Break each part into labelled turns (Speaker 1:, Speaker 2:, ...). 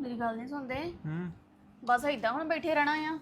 Speaker 1: ਮੇਰੀ ਗੱਲ ਨਹੀਂ ਸੁਣਦੇ।
Speaker 2: ਹੂੰ
Speaker 1: ਬਸ ਏਦਾਂ ਹੁਣ ਬੈਠੇ ਰਹਿਣਾ ਆ।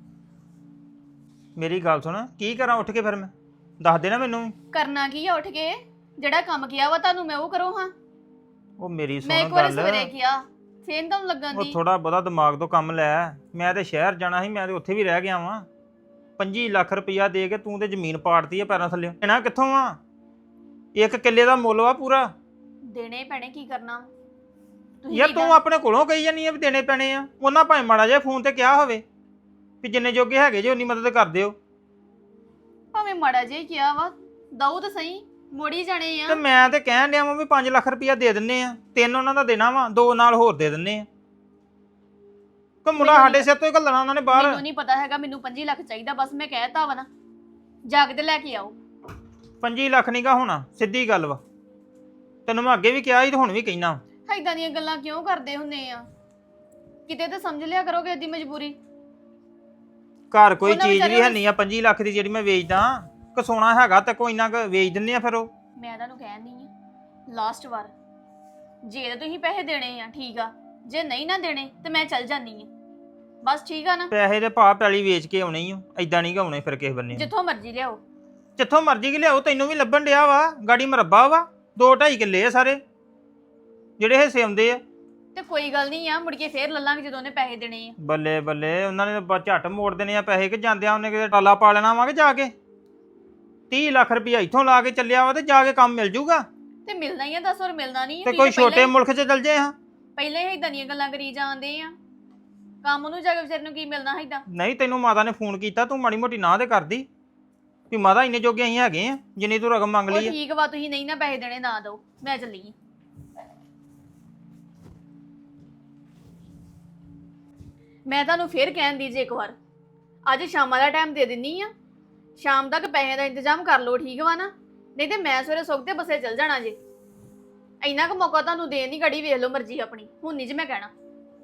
Speaker 2: ਮੇਰੀ ਗੱਲ ਸੁਣ, ਕੀ ਕਰਾਂ ਉੱਠ ਕੇ ਫਿਰ ਮੈਂ? ਦੱਸ ਦੇ ਨਾ ਮੈਨੂੰ ਵੀ।
Speaker 1: ਕਰਨਾ ਕੀ ਆ ਉੱਠ ਕੇ? ਜਿਹੜਾ ਕੰਮ ਕਿਹਾ ਵਾ ਤੁਹਾਨੂੰ ਮੈਂ ਉਹ ਕਰੋ ਹਾਂ।
Speaker 2: ਉਹ ਮੇਰੀ
Speaker 1: ਮੈਂ
Speaker 2: ਸੁਣ
Speaker 1: ਇੱਕ ਵਾਰ
Speaker 2: ਗੱਲ,
Speaker 1: ਸਵੇਰੇ ਕਿਹਾ ਫੇਰ ਤੁਹਾਨੂੰ ਲੱਗਣ
Speaker 2: ਉਹ
Speaker 1: ਦੀ।
Speaker 2: ਥੋੜਾ ਬਹੁਤਾ ਦਿਮਾਗ ਤੋਂ ਕੰਮ ਲੈ। ਮੈਂ ਤੇ ਸ਼ਹਿਰ ਜਾਣਾ ਸੀ, ਮੈਂ ਤੇ ਉੱਥੇ ਵੀ ਰਹਿ ਗਿਆ ਵਾਂ। 25 ਲੱਖ ਰੁਪਈਆ ਦੇ ਕੇ ਤੂੰ ਤੇ ਜ਼ਮੀਨ ਪਾੜਤੀ ਆ ਪੈਰਾਂ ਥੱਲੇ। ਲੈਣਾ ਕਿੱਥੋਂ ਆ? ਇੱਕ ਕਿੱਲੇ ਦਾ ਮੁੱਲ ਵਾ ਪੂਰਾ।
Speaker 1: ਦੇਣੇ ਪੈਣੇ, ਕੀ ਕਰਨਾ ਤੁਸੀਂ?
Speaker 2: ਯਾਰ ਤੂੰ ਆਪਣੇ ਕੋਲੋਂ ਕਹੀ ਜਾਨੀ ਆ ਵੀ ਦੇਣੇ ਪੈਣੇ ਆ। ਉਹਨਾਂ ਭਾਵੇਂ ਮਾੜਾ ਜਿਹਾ ਫੋਨ ਤੇ ਕਿਹਾ ਹੋਵੇ ਵੀ ਜਿੰਨੇ ਜੋਗੇ ਹੈਗੇ ਜੇ ਉਨੀ ਮਦਦ ਕਰ ਦਿਓ।
Speaker 1: ਭਾਵੇਂ ਮਾੜਾ ਜਿਹਾ ਹੀ ਕਿਹਾ ਵਾ, ਦਊ ਤਾਂ ਸਹੀ, ਮੋੜੀ ਜਾਣੇ ਆ।
Speaker 2: ਤੇ ਮੈਂ ਤੇ ਕਹਿਣ ਡਿਆ ਵਾਂ ਵੀ 5 ਲੱਖ ਰੁਪਈਆ ਦੇ ਦਿੰਨੇ ਆ। 3 ਉਹਨਾਂ ਦਾ ਦੇਣਾ ਵਾ, 2 ਨਾਲ ਹੋਰ ਦੇ ਦਿੰਨੇ ਆ। ਕੋ ਮੁੰਡਾ ਸਾਡੇ ਸਿਰ ਤੋਂ ਹੀ ਘੱਲਣਾ ਉਹਨਾਂ ਨੇ ਬਾਹਰ।
Speaker 1: ਮੈਨੂੰ ਨਹੀਂ ਪਤਾ ਹੈਗਾ, ਮੈਨੂੰ 25 ਲੱਖ ਚਾਹੀਦਾ ਬਸ। ਮੈਂ ਕਹਿਤਾ ਵਾ ਨਾ, ਜਾ ਕੇ ਤੇ ਲੈ ਕੇ ਆਓ।
Speaker 2: 25 ਲੱਖ ਨੀ ਗਾ ਹੋਣਾ, ਸਿੱਧੀ ਗੱਲ ਵਾ। ਤੈਨੂੰ ਮੈਂ ਅੱਗੇ ਵੀ ਕਿਹਾ ਸੀ ਤੇ ਹੁਣ ਵੀ ਕਹਿਣਾ।
Speaker 1: ਏਦਾਂ ਦੀਆਂ ਗੱਲਾਂ ਕਿਉਂ ਕਰਦੇ ਹੁੰਦੇ ਆ? ਕਿਤੇ ਤਾਂ ਸਮਝ ਲਿਆ ਕਰੋਗੇ ਇਹਦੀ ਮਜਬੂਰੀ।
Speaker 2: ਘਰ ਕੋਈ
Speaker 1: ਉਹਨਾਂ
Speaker 2: ਚੀਜ਼ ਵੀ
Speaker 1: ਵਿਚਾਰਿਆਂ
Speaker 2: ਹੈ ਨਹੀਂ ਆ 25 ਲੱਖ ਦੀ ਜਿਹੜੀ ਮੈਂ ਵੇਚਦਾ। ਕਿ ਸੋਨਾ ਹੈਗਾ ਤੇ ਕੋਈ ਨਾ ਵੇਚ ਦਿੰਨੇ ਆ ਫਿਰ ਉਹ।
Speaker 1: ਮੈਂ ਤੁਹਾਨੂੰ ਕਹਿਣ ਨਹੀਂ ਆ, ਲਾਸਟ ਵਾਰ ਜੇ ਤਾਂ ਤੁਸੀਂ ਪੈਸੇ ਦੇਣੇ ਆ ਠੀਕ ਆ, ਜੇ ਨਹੀਂ ਨਾ ਦੇਣੇ ਤੇ ਮੈਂ ਚੱਲ ਜਾਨੀ ਆ ਬਸ। ਠੀਕ ਆ ਨਾ?
Speaker 2: ਪੈਸੇ ਦੇ ਭਾਅ ਪੈਲੀ ਵੇਚ ਕੇ ਆਉਣੇ ਹੀ ਓ, ਐਦਾਂ ਨਹੀਂ ਆਉਣੇ ਫਿਰ ਕਿਸੇ ਬੰਨੇ।
Speaker 1: ਜਿੱਥੋਂ ਮਰਜ਼ੀ ਲਿਆਓ।
Speaker 2: ਜਿੱਥੋਂ ਮਰਜ਼ੀ ਕਿ ਲਿਆਓ, ਤੈਨੂੰ ਵੀ ਲੱਭਣ ਡਿਆ ਵਾ। ਗਾੜੀ ਮਰੱਬਾ ਵਾ, 2-2.5 ਕਿੱਲੇ ਆ ਸਾਰੇ ਜਿਹੜੇ ਹਿੱਸੇ ਆਉਂਦੇ ਆ।
Speaker 1: ਤੇ ਕੋਈ ਗੱਲ ਨਹੀਂ ਆ, ਮੁੜ ਕੇ ਫੇਰ ਲੱਲਾਂਗੇ ਜਦੋਂ ਉਹਨੇ ਪੈਸੇ ਦੇਣੇ ਆ।
Speaker 2: ਬੱਲੇ ਬੱਲੇ, ਉਹਨਾਂ ਨੇ ਤਾਂ ਝੱਟ ਮੋੜ ਦੇਣੇ ਆ ਪੈਸੇ। ਕਿ ਜਾਂਦਿਆਂ ਉਹਨੇ ਕਿਤੇ ਟਾਲਾ ਪਾ ਲੈਣਾ ਵਾ ਕਿ ਜਾ ਕੇ 30 ਲੱਖ ਰੁਪਈਆ ਇੱਥੋਂ ਲਾ ਕੇ ਚੱਲਿਆ ਵਾ ਤੇ ਜਾ ਕੇ ਕੰਮ ਮਿਲ ਜੂਗਾ।
Speaker 1: ਤੇ ਮਿਲਣਾ ਹੀ ਆ, 10 ਹੋਰ ਮਿਲਣਾ ਨਹੀਂ
Speaker 2: ਤੇ ਕੋਈ ਛੋਟੇ ਮੁਲਕ 'ਚ ਚੱਲ ਜੇ। ਹਾਂ
Speaker 1: ਪਹਿਲੇ ਹੀ ਇਦਾਂ ਦੀਆਂ ਗੱਲਾਂ ਕਰੀ ਜਾਂਦੇ ਆ। ਕੰਮ ਨੂੰ ਜਾ ਕੇ ਵਿਚਾਰੇ ਨੂੰ ਕੀ ਮਿਲਣਾ ਹੈ ਇਦਾਂ?
Speaker 2: ਨਹੀਂ, ਤੈਨੂੰ ਮਾਤਾ ਨੇ ਫੋਨ ਕੀਤਾ, ਤੂੰ ਮਾੜੀ ਮੋਟੀ ਨਾ ਤੇ ਕਰਦੀ ਵੀ ਮਾਤਾ ਇੰਨੇ ਜੋਗੇ ਅਸੀਂ ਹੈਗੇ ਆ ਜਿੰਨੀ ਤੂੰ ਰਕਮ ਮੰਗ
Speaker 1: ਉਹ
Speaker 2: ਲਈ ਆ।
Speaker 1: ਠੀਕ ਵਾ, ਤੁਸੀਂ ਨਹੀਂ ਨਾ ਪੈਸੇ ਦੇਣੇ ਨਾ ਦਿਓ, ਮੈਂ ਚੱਲੀ ਆਂ। ਮੈਂ ਤੁਹਾਨੂੰ ਫੇਰ ਕਹਿਣ ਦੀ ਜੇ ਇੱਕ ਵਾਰ, ਅੱਜ ਸ਼ਾਮਾਂ ਦਾ ਟਾਈਮ ਦੇ ਦਿੰਨੀ ਆ। ਸ਼ਾਮ ਤੱਕ ਪੈਸੇ ਦਾ ਇੰਤਜ਼ਾਮ ਕਰ ਲਓ, ਠੀਕ ਵਾ ਨਾ? ਨਹੀਂ ਤੇ ਮੈਂ ਸਵੇਰੇ ਸੁੱਤੇ ਬੱਸੇ ਚੱਲ ਜਾਣਾ ਜੇ। ਇੰਨਾ ਕੁ ਮੌਕਾ ਤੁਹਾਨੂੰ ਦੇਣ ਦੀ ਘੜੀ ਵੇਖ ਲਓ ਮਰਜ਼ੀ ਆਪਣੀ, ਹੁਣ ਨਹੀਂ ਜੇ ਮੈਂ ਕਹਿਣਾ।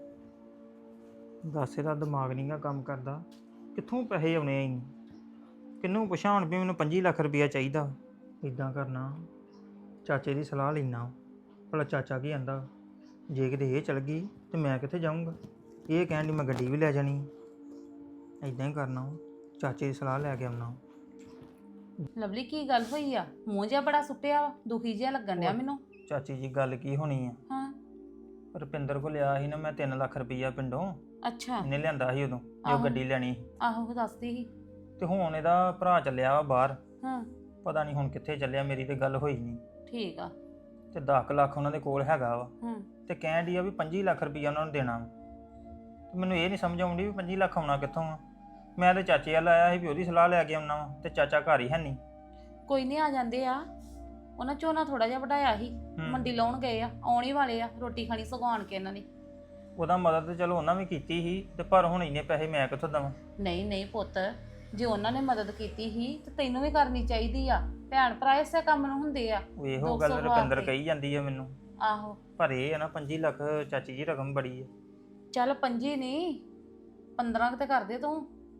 Speaker 2: ਦੱਸ, ਇਹਦਾ ਦਿਮਾਗ ਨਹੀਂ ਗਾ ਕੰਮ ਕਰਦਾ। ਕਿੱਥੋਂ ਪੈਸੇ ਆਉਣੇ ਆ? ਕਿਹਨੂੰ ਪੁੱਛਾਂ ਹੁਣ ਵੀ ਮੈਨੂੰ 25 ਲੱਖ ਰੁਪਈਆ ਚਾਹੀਦਾ। ਇਦਾਂ ਕਰਨਾ, ਚਾਚੇ ਦੀ ਸਲਾਹ ਲੈਣਾ, ਭਲਾ ਚਾਚਾ ਕੀ ਆਂਦਾ। ਜੇ ਕਿਤੇ ਇਹ ਚਲ ਗਈ ਤੇ ਮੈਂ ਕਿੱਥੇ ਜਾਊਂਗਾ? ਇਹ ਕਹਿਣ ਦੀ ਮੈਂ ਗੱਡੀ ਵੀ ਲੈ ਜਾਣੀ। ਇਦਾਂ ਹੀ ਕਰਨਾ, ਚਾਚੇ ਦੀ ਸਲਾਹ ਲੈ ਕੇ ਆਉਣਾ।
Speaker 3: ਲਵਲੀ, ਕੀ ਗੱਲ ਹੋਈ ਆ? ਮੂੰਹ ਜਿਹਾ ਬੜਾ ਸੁੱਟਿਆ ਵਾ, ਦੁਖੀ ਜਿਹਾ ਲੱਗਣ ਡਿਆ ਮੈਨੂੰ।
Speaker 2: ਚਾਚੀ ਜੀ, ਗੱਲ ਕੀ ਹੋਣੀ ਆ?
Speaker 3: ਹਾਂ।
Speaker 2: ਰੁਪਿੰਦਰ ਕੋਲ ਲਿਆ ਸੀ ਨਾ ਮੈਂ 3 ਲੱਖ ਰੁਪਈਆ ਪਿੰਡੋਂ।
Speaker 3: ਅੱਛਾ।
Speaker 2: ਇਹਨੇ ਲਿਆਂਦਾ ਸੀ ਉਦੋਂ ਜੋ
Speaker 3: ਆਹੋ।
Speaker 2: ਗੱਡੀ ਲੈਣੀ ਸੀ।
Speaker 3: ਆਹੋ, ਦੱਸਦੀ ਸੀ।
Speaker 2: ਤੇ ਹੁਣ ਇਹਦਾ ਭਰਾ ਚੱਲਿਆ ਵਾ ਬਾਹਰ।
Speaker 3: ਹਾਂ।
Speaker 2: ਪਤਾ ਨਹੀਂ ਹੁਣ ਕਿੱਥੇ ਚੱਲਿਆ, ਮੇਰੀ ਤੇ ਗੱਲ ਹੋਈ ਨਹੀਂ।
Speaker 3: ਠੀਕ ਆ।
Speaker 2: ਤੇ 10 ਲੱਖ ਉਹਨਾਂ ਦੇ ਕੋਲ ਹੈਗਾ ਵਾ।
Speaker 3: ਹਾਂ।
Speaker 2: ਤੇ ਕਹਿਣ ਡਈ ਆ ਵੀ 25 ਲੱਖ ਰੁਪਈਆ ਉਹਨਾਂ ਨੂੰ ਦੇਣਾ ਵਾ। ਤੇ ਮੈਨੂੰ ਇਹ ਨਹੀਂ ਸਮਝ ਆਉਂਦੀ ਵੀ 25 ਲੱਖ ਆਉਣਾ ਕਿੱਥੋਂ ਆ। ਮੈਂ ਤੇ ਚਾਚੇ ਵੱਲ ਆਇਆ ਸੀ ਵੀ ਉਹਦੀ ਸਲਾਹ ਲੈ ਕੇ ਆਉਣਾ ਵਾ, ਤੇ ਚਾਚਾ ਘਰ ਹੀ ਹੈ ਨਹੀਂ।
Speaker 3: ਕੋਈ ਨਹੀਂ, ਆ ਜਾਂਦੇ ਆ। ਉਹਨਾਂ ਝੋਨਾ ਥੋੜਾ ਜਿਹਾ ਵਢਾਇਆ ਸੀ, ਮੰਡੀ ਲਾਉਣ ਗਏ ਆ, ਆਉਣ ਹੀ ਵਾਲੇ ਆ। ਰੋਟੀ ਖਾਣੀ ਸਗਵਾਣ ਕੇ ਇਹਨਾਂ ਨੇ।
Speaker 2: ਉਹਦਾ ਮਦਦ ਤੇ ਚਲੋ ਉਹਨਾਂ ਵੀ ਕੀਤੀ ਸੀ, ਤੇ ਪਰ ਹੁਣ ਇੰਨੇ ਪੈਸੇ ਮੈਂ ਕਿੱਥੋਂ ਦੇਵਾਂ?
Speaker 3: ਨਹੀਂ ਨਹੀਂ ਪੁੱਤ, ਜੇ ਉਹਨਾਂ ਨੇ ਮਦਦ ਕੀਤੀ ਸੀ ਤੇ ਤੈਨੂੰ ਵੀ ਕਰਨੀ ਚਾਹੀਦੀ ਆ। ਭੈਣ ਭਰਾ ਇਸੇ ਕੰਮ ਨੂੰ ਹੁੰਦੇ ਆ।
Speaker 2: ਉਹ ਇਹੋ
Speaker 3: 200
Speaker 2: ਗੱਲ ਰੁਪਿੰਦਰ
Speaker 3: ਵਾਸਤੇ।
Speaker 2: ਕਹੀ ਜਾਂਦੀ ਆ ਮੈਨੂੰ।
Speaker 3: ਆਹੋ।
Speaker 2: ਪਰ ਇਹ ਆ ਨਾ 25 ਲੱਖ ਚਾਚੀ ਜੀ ਰਕਮ ਬੜੀ ਆ।
Speaker 3: ਚੱਲ 25 ਨਹੀਂ, 15 ਤੇ ਕਰ ਦੇ ਤੂੰ।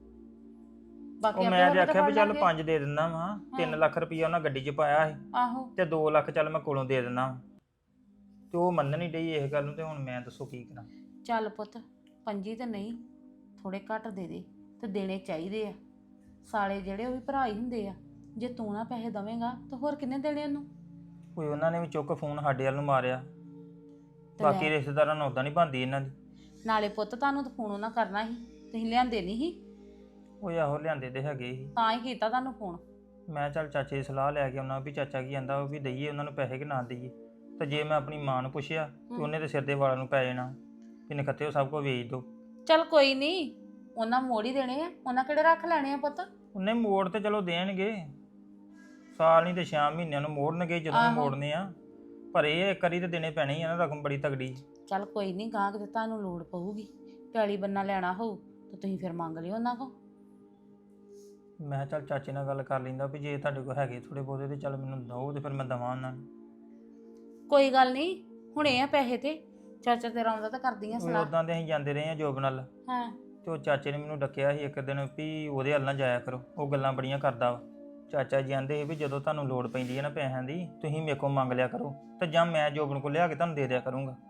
Speaker 3: ਬਾਕੀ
Speaker 2: ਉਹ
Speaker 3: ਆਪੇ
Speaker 2: ਮੈਂ ਜੇ
Speaker 3: ਹੋਰ
Speaker 2: ਆਖਿਆ ਵੀ
Speaker 3: ਫੜ
Speaker 2: ਚੱਲ
Speaker 3: ਲਾਂਗੇ।
Speaker 2: 5 ਦੇ ਦਿੰਦਾ ਵਾ। 3 ਲੱਖ ਰੁਪਈਆ ਉਹਨਾਂ ਗੱਡੀ 'ਚ ਪਾਇਆ ਸੀ,
Speaker 3: ਆਹੋ।
Speaker 2: ਤੇ 2 ਲੱਖ ਚੱਲ ਮੈਂ ਕੋਲੋਂ ਦੇ ਦਿੰਦਾ। ਤੇ ਉਹ ਮੰਨ ਨਹੀਂ ਡਈ ਇਸ ਗੱਲ ਨੂੰ, ਤੇ ਹੁਣ ਮੈਂ ਦੱਸੋ ਕੀ ਕਰਾਂ?
Speaker 3: ਚੱਲ ਪੁੱਤ, 25 ਤੇ ਨਹੀਂ, ਥੋੜੇ ਘੱਟ ਦੇ ਦੇ, ਤੇ ਦੇਣੇ ਚਾਹੀਦੇ ਆ। ਸਾਲੇ ਜਿਹੜੇ ਉਹ ਵੀ ਭਰਾ ਹੀ ਹੁੰਦੇ ਆ। ਜੇ ਤੂੰ ਨਾ ਪੈਸੇ ਦਵੇਂਗਾ ਤਾਂ ਹੋਰ ਕਿੰਨੇ ਦੇਣੇ ਉਹਨੂੰ?
Speaker 2: ਕੋਈ ਉਹਨਾਂ ਨੇ ਵੀ ਚੁੱਕ ਫੋਨ ਸਾਡੇ ਵੱਲ ਨੂੰ ਮਾਰਿਆ।
Speaker 3: ਤੇ
Speaker 2: ਬਾਕੀ
Speaker 3: ਲੈ।
Speaker 2: ਰਿਸ਼ਤੇਦਾਰਾਂ ਨੂੰ ਉਦਾਂ ਨਹੀਂ ਬਣਦੀ ਇਹਨਾਂ ਦੀ।
Speaker 3: ਨਾਲੇ ਪੁੱਤ, ਤੁਹਾਨੂੰ ਤਾਂ ਫੋਨ ਉਹਨਾਂ ਕਰਨਾ ਸੀ, ਤੁਸੀਂ ਲਿਆਂਦੇ ਨਹੀਂ ਸੀ।
Speaker 2: ਉਹ ਆਹੋ ਲਿਆਂਦੇ ਤੇ ਹੈਗੇ ਸੀ।
Speaker 3: ਤਾਂ ਹੀ ਕੀਤਾ ਤੁਹਾਨੂੰ ਫੋਨ।
Speaker 2: ਮੈਂ ਚੱਲ ਚਾਚੇ ਦੀ ਸਲਾਹ ਲੈ ਕੇ ਆਉਣਾ ਵੀ ਚਾਚਾ ਕੀ ਆਂਦਾ ਉਹ ਵੀ ਦਈਏ ਉਹਨਾਂ ਨੂੰ ਪੈਸੇ ਕਿ ਨਾ ਦਈਏ। ਤੇ ਜੇ ਮੈਂ ਆਪਣੀ ਮਾਂ ਨੂੰ ਪੁੱਛਿਆ ਤੇ ਉਹਨੇ ਤੇ ਸਿਰ ਦੇ ਵਾਲਾਂ ਨੂੰ ਪੈ ਜਾਣਾ ਕਿ ਨਖੱਤੇ ਉਹ ਸਭ ਕੁਝ ਵੇਚ ਦੋ।
Speaker 3: ਚੱਲ ਕੋਈ ਨਹੀਂ, ਉਹਨਾਂ ਮੋੜ ਹੀ ਦੇਣੇ ਆ। ਉਹਨਾਂ ਕਿਹੜੇ ਰੱਖ ਲੈਣੇ ਆ ਪੁੱਤ?
Speaker 2: ਉਹਨੇ ਮੋੜ ਤੇ ਚਲੋ ਦੇਣਗੇ, ਸਾਲ ਨਹੀਂ ਤੇ 6 ਮਹੀਨਿਆਂ ਨੂੰ ਮੋੜਨਗੇ ਜਦੋਂ ਵੀ
Speaker 3: ਆਹੋ।
Speaker 2: ਮੋੜਨੇ ਆ। ਪਰ ਇਹ ਇੱਕ ਵਾਰੀ ਤੇ ਦੇਣੇ ਪੈਣੇ ਹੀ ਆ ਨਾ, ਰਕਮ ਬੜੀ ਤਗੜੀ।
Speaker 3: ਚੱਲ ਕੋਈ ਨਹੀਂ, ਗਾਂ ਕਿਤੇ ਤੁਹਾਨੂੰ ਲੋੜ ਪਊਗੀ, ਪੈਲੀ ਬੰਨਾ ਲੈਣਾ ਹੋਊ ਤਾਂ ਤੁਸੀਂ ਫਿਰ ਮੰਗ ਲਿਓ ਉਹਨਾਂ ਕੋਲ।
Speaker 2: ਮੈਂ ਚੱਲ ਚਾਚੇ ਨਾਲ ਗੱਲ ਕਰ ਲੈਂਦਾ ਵੀ ਜੇ ਤੁਹਾਡੇ ਕੋਲ ਹੈਗੇ ਥੋੜੇ ਬਹੁਤੇ ਤੇ ਚੱਲ ਮੈਨੂੰ ਦਓ, ਤੇ ਫਿਰ ਮੈਂ ਦਵਾਂ ਉਹਨਾਂ ਨੂੰ।
Speaker 3: ਕੋਈ ਗੱਲ ਨਹੀਂ, ਹੁਣੇ ਆ ਪੈਸੇ ਤੇ ਚਾਚਾ ਤੇਰਾ ਆਉਂਦਾ ਤਾਂ ਕਰਦੀਆਂ ਸਲਾਹ।
Speaker 2: ਉਦਾਂ ਦੇ ਅਸੀਂ ਜਾਂਦੇ ਰਹੇ ਆ ਜੋਬ ਨਾਲ।
Speaker 3: ਹਾਂ।
Speaker 2: ਤੇ ਉਹ ਚਾਚੇ ਨੇ ਮੈਨੂੰ ਡੱਕਿਆ ਸੀ ਇੱਕ ਦਿਨ ਵੀ ਉਹਦੇ ਵੱਲ ਨਾ ਜਾਇਆ ਕਰੋ, ਉਹ ਗੱਲਾਂ ਬੜੀਆਂ ਕਰਦਾ ਵਾ। ਚਾਚਾ ਜੀ ਆਂਦੇ ਸੀ ਵੀ ਜਦੋਂ ਤੁਹਾਨੂੰ ਲੋੜ ਪੈਂਦੀ ਹੈ ਨਾ ਪੈਸਿਆਂ ਦੀ, ਤੁਸੀਂ ਮੇਰੇ ਕੋਲ ਮੰਗ ਲਿਆ ਕਰੋ, ਤੇ ਜਾਂ ਮੈਂ ਜੋਬਨ ਕੋਲ ਲਿਆ ਕੇ ਤੁਹਾਨੂੰ ਦੇ ਦਿਆ ਕਰੂੰਗਾ।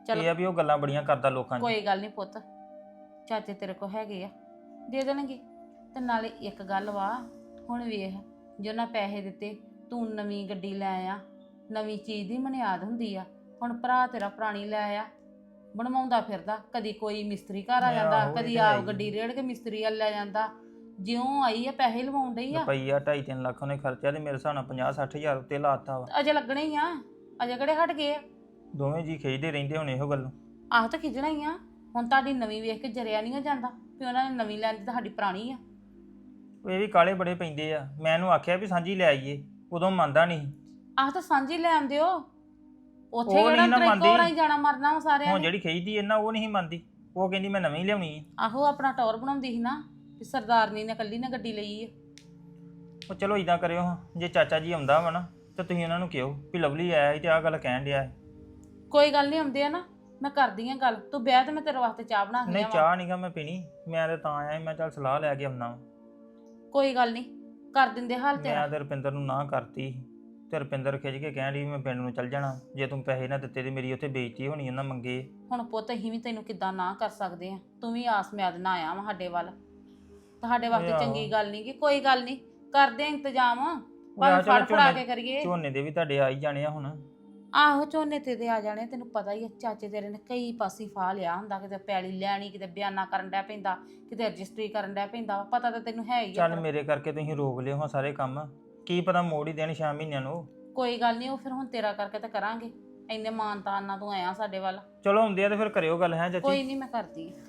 Speaker 3: ਚੱਲ
Speaker 2: ਇਹ ਆ ਵੀ ਉਹ ਗੱਲਾਂ ਬੜੀਆਂ ਕਰਦਾ ਲੋਕਾਂ 'ਚ।
Speaker 3: ਕੋਈ ਗੱਲ ਨਹੀਂ ਪੁੱਤ, ਚਾਚੇ ਤੇਰੇ ਕੋ ਹੈਗੇ ਆ, ਦੇ ਦੇਣਗੇ। ਤੇ ਨਾਲੇ ਇੱਕ ਗੱਲ ਵਾ, ਹੁਣ ਵੇਖ ਜੇ ਉਹਨਾਂ ਪੈਸੇ ਦਿੱਤੇ, ਤੂੰ ਨਵੀਂ ਗੱਡੀ ਲੈ ਆ, ਨਵੀਂ ਚੀਜ਼ ਦੀ ਮਨਿਆਦ ਹੁੰਦੀ ਆ। ਹੁਣ ਭਰਾ ਤੇਰਾ ਪੁਰਾਣੀ ਲੈ ਆ, ਬਣਵਾਉਂਦਾ ਫਿਰਦਾ, ਕਦੀ ਕੋਈ ਮਿਸਤਰੀ ਘਰ ਆ ਜਾਂਦਾ,
Speaker 2: ਆਹੋ, ਇਹ
Speaker 3: ਕਦੀ
Speaker 2: ਤੇ ਹੈ
Speaker 3: ਆਪ
Speaker 2: ਹੀ।
Speaker 3: ਗੱਡੀ ਰੇੜ ਕੇ ਮਿਸਤਰੀ ਵੱਲ ਲੈ ਜਾਂਦਾ। ਜਿਉਂ ਆਈ ਆ ਪੈਸੇ ਲਵਾਉਣ ਡਈ ਆ,
Speaker 2: ਰੁਪਈਆ 2.5-3 ਲੱਖ ਉਹਨੇ ਖਰਚਿਆ ਤੇ ਮੇਰੇ ਹਿਸਾਬ ਨਾਲ 50-60 ਹਜ਼ਾਰ ਉੱਤੇ ਲਾਤਾ ਵਾ।
Speaker 3: ਅਜੇ ਲੱਗਣੇ ਹੀ ਆ, ਅਜੇ ਕਿਹੜੇ ਹਟ ਗਏ ਆ।
Speaker 2: ਦੋਵੇਂ ਜੀ ਖਿੱਚਦੇ ਰਹਿੰਦੇ ਹੁਣ ਇਹੋ ਗੱਲ।
Speaker 3: ਆਹ ਤਾਂ ਖਿਜਣਾ ਹੀ ਆ। ਹੁਣ ਤੁਹਾਡੀ ਨਵੀਂ ਵੇਖ ਕੇ ਜਰਿਆ ਨਹੀਂ ਹੋ ਜਾਂਦਾ ਵੀ ਉਹਨਾਂ ਨੇ ਨਵੀਂ ਲੈਣ ਦੀ, ਸਾਡੀ ਪੁਰਾਣੀ ਆ।
Speaker 2: ਇਹ ਵੀ ਕਾਲੇ ਬੜੇ ਪੈਂਦੇ ਆ। ਮੈਂ ਇਹਨੂੰ ਆਖਿਆ ਵੀ ਸਾਂਝੀ ਲੈ ਆਈਏ, ਉਦੋਂ ਮੰਨਦਾ ਨਹੀਂ।
Speaker 3: ਆਹ ਤਾਂ ਸਾਂਝੀ ਲੈ ਆਉਂਦੇ ਹੋ, ਉੱਥੇ
Speaker 2: ਉਹ
Speaker 3: ਕਿਹੜਾ
Speaker 2: ਨਹੀਂ ਨਾ
Speaker 3: ਤੇਰੇ
Speaker 2: ਮੰਨਦੀ।
Speaker 3: ਕੋਲ ਹੀ ਜਾਣਾ ਮਰਨਾ ਵਾ ਸਾਰਿਆਂ
Speaker 2: ਹੁਣ
Speaker 3: ਨੇ।
Speaker 2: ਜਿਹੜੀ ਖਿੱਚਦੀ ਇਹਨਾਂ ਉਹ ਨਹੀਂ ਮੰਨਦੀ, ਉਹ ਕਹਿੰਦੀ ਮੈਂ ਨਵੀਂ ਲਿਆਉਣੀ ਹੈ।
Speaker 3: ਆਹੋ ਆਪਣਾ ਟੌਰ ਬਣਾਉਂਦੀ ਸੀ ਨਾ ਵੀ ਸਰਦਾਰਨੀ ਨੇ ਕੱਲੀ ਨੇ ਗੱਡੀ ਲਈ ਆ।
Speaker 2: ਉਹ ਚਲੋ ਇਦਾਂ ਕਰਿਓ ਹਾਂ, ਜੇ ਚਾਚਾ ਜੀ ਆਉਂਦਾ ਵਾ ਨਾ ਤੇ ਤੁਸੀਂ ਉਹਨਾਂ ਨੂੰ ਕਿਹੋ ਵੀ ਲਵਲੀ ਆਇਆ ਸੀ ਤੇ ਆਹ ਗੱਲ ਕਹਿਣ ਡਿਆ ਹੈ।
Speaker 3: ਕੋਈ ਗੱਲ ਨਹੀਂ, ਆਉਂਦੇ ਆ ਨਾ, ਮੈਂ ਕਰਦੀ ਆ ਗੱਲ। ਤੂੰ ਬਹਿ ਤੇ ਮੈਂ ਤੇਰੇ ਵਾਸਤੇ ਚਾਹ ਬਣਾ ਕੇ
Speaker 2: ਨਹੀਂ
Speaker 3: ਲਿਆਵਾਂ।
Speaker 2: ਚਾਹ ਨਹੀਂਗਾ ਮੈਂ ਪੀਣੀ, ਮੈਂ ਤੇ ਤਾਂ ਆਇਆ ਸੀ, ਮੈਂ ਚੱਲ ਸਲਾਹ ਲੈ ਕੇ ਆਉਣਾ।
Speaker 3: ਕੋਈ ਗੱਲ ਨਹੀਂ, ਕਰ ਦਿੰਦੇ ਹਾਲ ਤੇਰਾ।
Speaker 2: ਮੈਂ ਤੇ ਰੁਪਿੰਦਰ ਨੂੰ ਨਾ ਕਰਤੀ ਤੇ ਰੁਪਿੰਦਰ ਖਿੱਚ ਕੇ ਕਹਿਣ ਡਈ ਮੈਂ ਪਿੰਡ ਨੂੰ ਚੱਲ ਜਾਣਾ, ਜੇ ਤੂੰ ਪੈਸੇ ਨਾ ਦਿੱਤੇ ਤੇ ਮੇਰੀ ਉੱਥੇ ਬੇਇੱਜ਼ਤੀ ਹੋਣੀ ਉਹਨਾਂ ਮੰਗੇ।
Speaker 3: ਹੁਣ ਪੁੱਤ ਅਸੀਂ ਵੀ ਤੈਨੂੰ ਕਿੱਦਾਂ ਨਾ ਕਰ ਸਕਦੇ ਆ, ਤੂੰ ਵੀ ਆਸ ਮਿਆਦ ਨਾ ਆਇਆ ਵਾ ਸਾਡੇ ਵੱਲ। ਤੁਹਾਡੇ ਵਾਸਤੇ
Speaker 2: ਆਹੋ।
Speaker 3: ਚੰਗੀ ਗੱਲ ਨਹੀਂ, ਕਿ ਕੋਈ ਗੱਲ ਨਹੀਂ, ਕਰਦੇ ਆ ਇੰਤਜ਼ਾਮ,
Speaker 2: ਆਹ
Speaker 3: ਭਾਵੇਂ
Speaker 2: ਚਲੋ
Speaker 3: ਫੜ ਫੜਾ
Speaker 2: ਝੋਨੇ-
Speaker 3: ਕੇ ਕਰੀਏ।
Speaker 2: ਝੋਨੇ ਦੇ ਵੀ ਤੁਹਾਡੇ ਆ ਹੀ ਜਾਣੇ ਆ ਹੁਣ।
Speaker 3: ਆਹੋ ਝੋਨੇ ਤੇ ਆ ਜਾਣੇ, ਤੈਨੂੰ ਪਤਾ ਹੀ ਆ, ਚਾਚੇ ਤੇਰੇ ਨੇ ਕਈ ਪਾਸੇ ਫਾ ਲਿਆ ਹੁੰਦਾ, ਕਿਤੇ ਪੈਲੀ ਲੈਣੀ, ਕਿਤੇ ਬਿਆਨਾ ਕਰਨ ਡਿਆ ਪੈਂਦਾ, ਕਿਤੇ ਰਜਿਸਟਰੀ ਕਰਨ ਡਿਆ ਪੈਂਦਾ, ਪਤਾ ਤਾਂ ਤੈਨੂੰ ਹੈ ਹੀ ਆ।
Speaker 2: ਚੱਲ ਮੇਰੇ ਕਰਕੇ ਤੁਸੀਂ ਰੋਕ ਲਿਓ ਹਾਂ ਸਾਰੇ ਕੰਮ, ਕੀ ਪਤਾ ਮੋੜ ਹੀ ਦੇਣ 6 ਮਹੀਨਿਆਂ ਨੂੰ।
Speaker 3: ਕੋਈ ਗੱਲ ਨਹੀਂ, ਉਹ ਫਿਰ ਹੁਣ ਤੇਰਾ ਕਰਕੇ ਤਾਂ ਕਰਾਂਗੇ, ਇੰਨੇ ਮਾਨਤਾਨ ਨਾਲ ਤੂੰ ਆਇਆ ਸਾਡੇ ਵੱਲ।
Speaker 2: ਚਲੋ ਹੁੰਦੇ ਆ ਤੇ ਫਿਰ ਕਰਿਓ ਗੱਲ ਹੈ ਚਾਚੀ।
Speaker 3: ਕੋਈ ਨਹੀਂ, ਮੈਂ ਕਰਦੀ ਆ।